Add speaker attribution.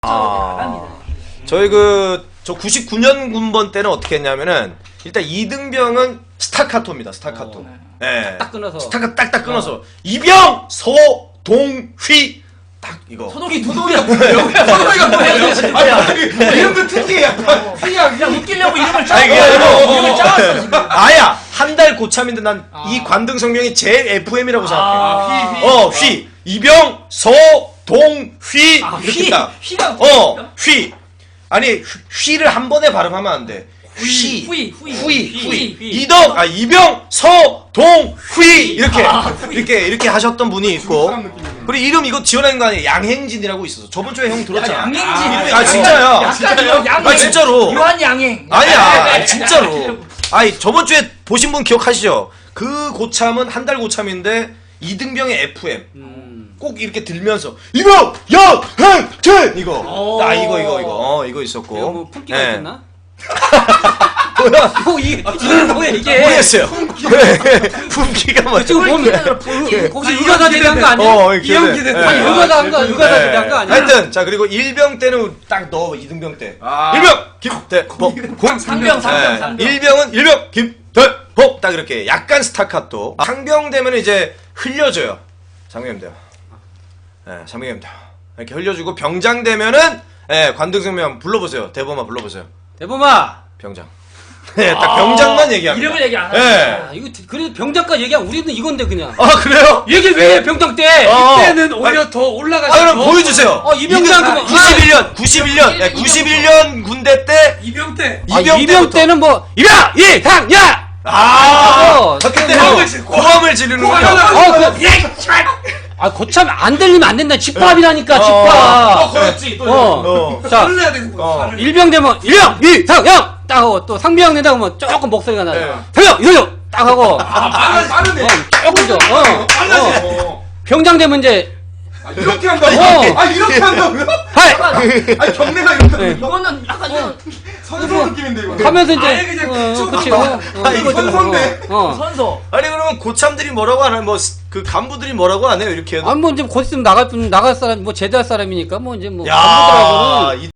Speaker 1: 저희 저 99년 군번 때는 어떻게 했냐면은 일단 이등병은 스타카토입니다. 스타카토. 네.
Speaker 2: 딱 끊어서.
Speaker 1: 스타카 딱딱 끊어서 이병 소동휘 딱 이거.
Speaker 3: 도동이가 뭐예요? 소동이가 뭐예요? 아니 이름도 특이해. 약간
Speaker 2: 그냥 웃기려고 이름을
Speaker 1: 아니, 그게 아니고.
Speaker 2: 이름을 짜왔어 지금.
Speaker 1: 아야 한 달 고참인데 난 이 관등 성명이 제 FM이라고 생각해. 휘 이병 소동휘 이렇게 딱.
Speaker 2: 휘가
Speaker 1: 휘. 아니 휘를 한 번에 발음하면 안 돼. 휘.
Speaker 2: 휘.
Speaker 1: 이병 서동휘 이렇게 하셨던 분이 있고. 그리고 이름 이거 지어낸 거 아니에요? 양행진이라고 있어서 저번 주에 형 들었잖아.
Speaker 2: 양행진.
Speaker 1: 아 진짜야.
Speaker 2: 양행.
Speaker 1: 아 진짜로.
Speaker 2: 유한 양행.
Speaker 1: 아니야 진짜로. 아니 저번 주에 보신 분 기억하시죠? 그 고참은 한 달 고참인데 이등병의 FM. 꼭 이렇게 들면서 이병 양행진 이거. 이거 있었고.
Speaker 2: 이거 뭐 품기가
Speaker 1: 네.
Speaker 2: 있었나?
Speaker 1: 뭐야?
Speaker 2: 이게 뭐야 이게?
Speaker 1: 모르겠어요. 그래. 품기가 뭐야?
Speaker 2: 지금 보면 혹시 의가다 대대한 거 아니야?
Speaker 3: 이영기 대대.
Speaker 2: 아니 의가다 한 거 의가다 대대한 거 아니야?
Speaker 1: 하여튼 자 그리고 일병 때는 딱 넣어 이등병 때. 일병 김대범.
Speaker 2: 상병.
Speaker 1: 일병은 일병 김대범 딱 이렇게 약간 스타카토. 상병 되면 이제 흘려줘요. 상병 되면. 상병 되면 이렇게 흘려주고 병장 되면은 관등성명 불러보세요. 대범아 불러보세요.
Speaker 2: 대범아.
Speaker 1: 병장. 딱 병장만 얘기합니다.
Speaker 2: 이름을 얘기 안 하네.
Speaker 1: 네.
Speaker 2: 이거 그래도 병장까지 얘기하면 우리는 이건데 그냥.
Speaker 1: 아 그래요?
Speaker 2: 얘기 왜 해, 병장 때?
Speaker 3: 이때는 오히려 더 올라가지.
Speaker 1: 그럼 보여주세요.
Speaker 2: 이병장
Speaker 1: 91년 군대 때
Speaker 3: 이병 때.
Speaker 2: 이병 때는 뭐 이병 이상야.
Speaker 1: 그때
Speaker 3: 고함을
Speaker 1: 고함을 지르는군요.
Speaker 2: 고참 안 들리면 안 된다. 집밥이라니까 집밥.
Speaker 3: 그렇지. 또
Speaker 2: 자
Speaker 3: 설레야 되는 거야.
Speaker 2: 일병 되면 일병 이상야 딱 하고 또 상병 된다고 하면 조금 목소리가 나요. 상병 이상야 딱 하고.
Speaker 3: 빠르네.
Speaker 2: 조금 더.
Speaker 3: 빨라지네.
Speaker 2: 병장 되면 이제
Speaker 3: 이렇게 한다고? 이렇게 한다고요?
Speaker 2: 하이
Speaker 3: 아니 경례가 이렇게 한다고?
Speaker 2: 이거는 약간 좀
Speaker 3: 선수 느낌인데 이거.
Speaker 2: 하면서 이제
Speaker 3: 아예 그냥 쭉
Speaker 2: 그치
Speaker 3: 가.
Speaker 1: 이거
Speaker 3: 선수인데.
Speaker 2: 선서.
Speaker 1: 아니 그러면 고참들이 뭐라고 하나요? 뭐 그 간부들이 뭐라고 하네요? 이렇게 해도.
Speaker 2: 아니 뭐 이제 곧 있으면 나갈 사람 뭐 제대할 사람이니까 뭐 이제 뭐
Speaker 1: 야,
Speaker 2: 간부들하고는